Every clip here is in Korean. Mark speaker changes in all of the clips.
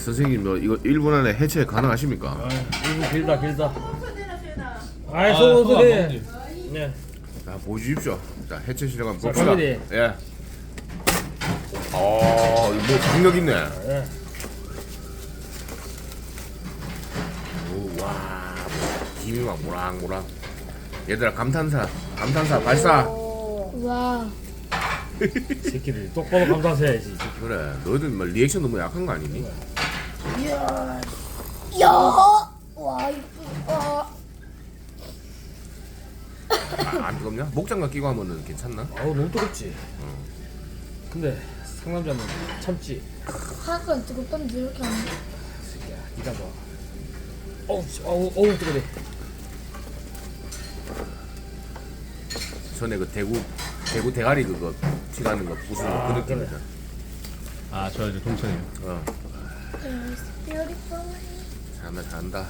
Speaker 1: 선생님 뭐 이거 1분 안에 해체 가능하십니까?
Speaker 2: 이거 길다. 아이 소금 소리. 네.
Speaker 1: 자 보여주십시오. 자 해체 실력 한번
Speaker 2: 자,
Speaker 1: 봅시다.
Speaker 2: 갑니다.
Speaker 1: 예. 뭐 강력 있네.
Speaker 2: 네.
Speaker 1: 오, 와 김이 막 모락모락. 얘들아 감탄사 발사.
Speaker 3: 와.
Speaker 2: 새끼들 똑바로 감탄해야지.
Speaker 1: 그래 너희들 뭐 리액션 너무 약한 거 아니니?
Speaker 3: 이야. 야. 와 이쁘다.
Speaker 1: 안 뜨겁냐? 목장갑 끼고 하면은 괜찮나?
Speaker 2: 아우 너무 뜨겁지. 근데 상남자는 참지.
Speaker 3: 하얀 뜨겁던데 이렇게 안 돼.
Speaker 2: 새끼야 니가 봐. 어우 뜨거워.
Speaker 1: 전에 그 대구 대가리 그거 튀가는 거 부수는 거 그 느낌이다.
Speaker 4: 아, 저 이제 동천이요.
Speaker 3: It's beautiful.
Speaker 1: 잘한다.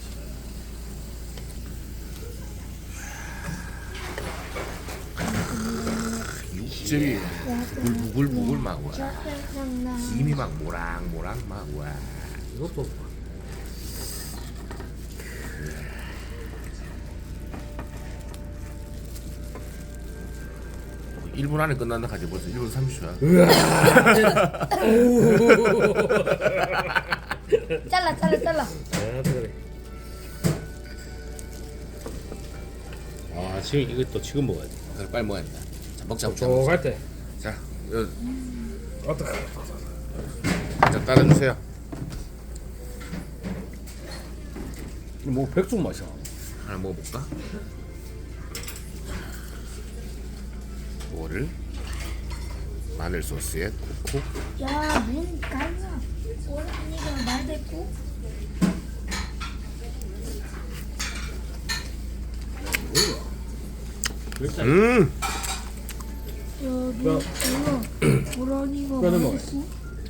Speaker 1: 육즙이 부글부글 막 와. 김이 막 모락모락 막 와.
Speaker 2: 이것도
Speaker 1: 1분 안에 끝난다 하지 벌써 1분 30초야.
Speaker 3: 잘라.
Speaker 2: 아 그래.
Speaker 4: 아, 지금 이것도 지금 먹어야 돼.
Speaker 1: 그래 빨리 먹어야 된다. 자 먹자.
Speaker 2: 저갈 때.
Speaker 1: 자,
Speaker 2: 어떡해.
Speaker 1: 자 따라주세요.
Speaker 2: 뭐 백숙 맛이야.
Speaker 1: 하나 먹어볼까? 뭐를 마늘 소스에 콕콕.
Speaker 3: 야, 문 갈라. 오라니가 말 됐고.
Speaker 1: 음.
Speaker 3: 여기
Speaker 2: 야.
Speaker 3: 오라니가
Speaker 2: 뼈는
Speaker 3: 말
Speaker 2: 먹어요.
Speaker 3: 됐고.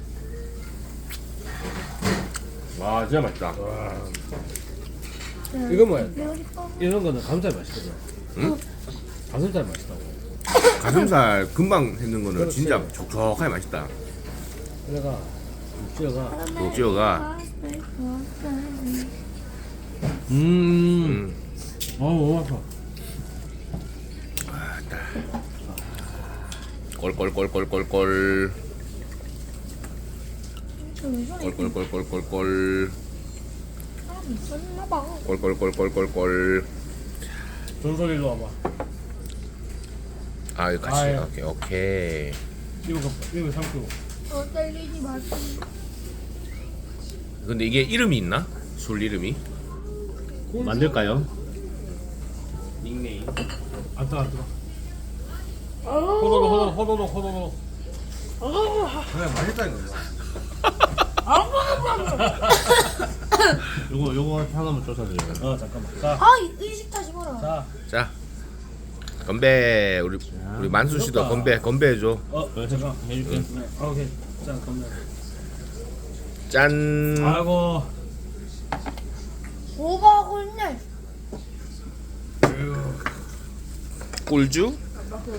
Speaker 1: 와 진짜 맛있다.
Speaker 2: 이거 뭐야?
Speaker 3: beautiful.
Speaker 2: 이런 거는 가슴살 맛있거든.
Speaker 1: 응?
Speaker 2: 가슴살 맛있다고.
Speaker 1: 가슴살 금방 했는 거는
Speaker 2: 그렇지.
Speaker 1: 진짜 촉촉하게 맛있다.
Speaker 2: 그래가 육지어가
Speaker 1: 녹지어가
Speaker 2: 어우 맛있어.
Speaker 1: 꼴꼴꼴꼴꼴꼴 꼴꼴꼴꼴꼴꼴
Speaker 3: 사람이 있었나봐.
Speaker 1: 꼴꼴꼴꼴꼴꼴.
Speaker 2: 전설이로 와봐.
Speaker 1: 아 이거 같이.
Speaker 2: 아, 예.
Speaker 1: 오케이.
Speaker 2: 이거 삼키고.
Speaker 3: 떨리지 마세요.
Speaker 1: 근데 이게 이름이 있나? 술 이름이?
Speaker 4: 만들까요?
Speaker 2: 닉네임. 안 뜨거. 호도로.
Speaker 1: 그래 맛있다 이거.
Speaker 4: 요거 하나만 쫓아드려요.
Speaker 2: 잠깐만. 자.
Speaker 3: 의식하지 마라.
Speaker 2: 자.
Speaker 1: 자 건배. 우리 만수 씨도
Speaker 2: 좋다.
Speaker 1: 건배해줘.
Speaker 2: 잠깐.
Speaker 4: 해줄게.
Speaker 2: 네. 오케이. 자, 건배.
Speaker 1: 짠.
Speaker 2: 아이고.
Speaker 3: 오바하고 있네.
Speaker 1: 꿀주.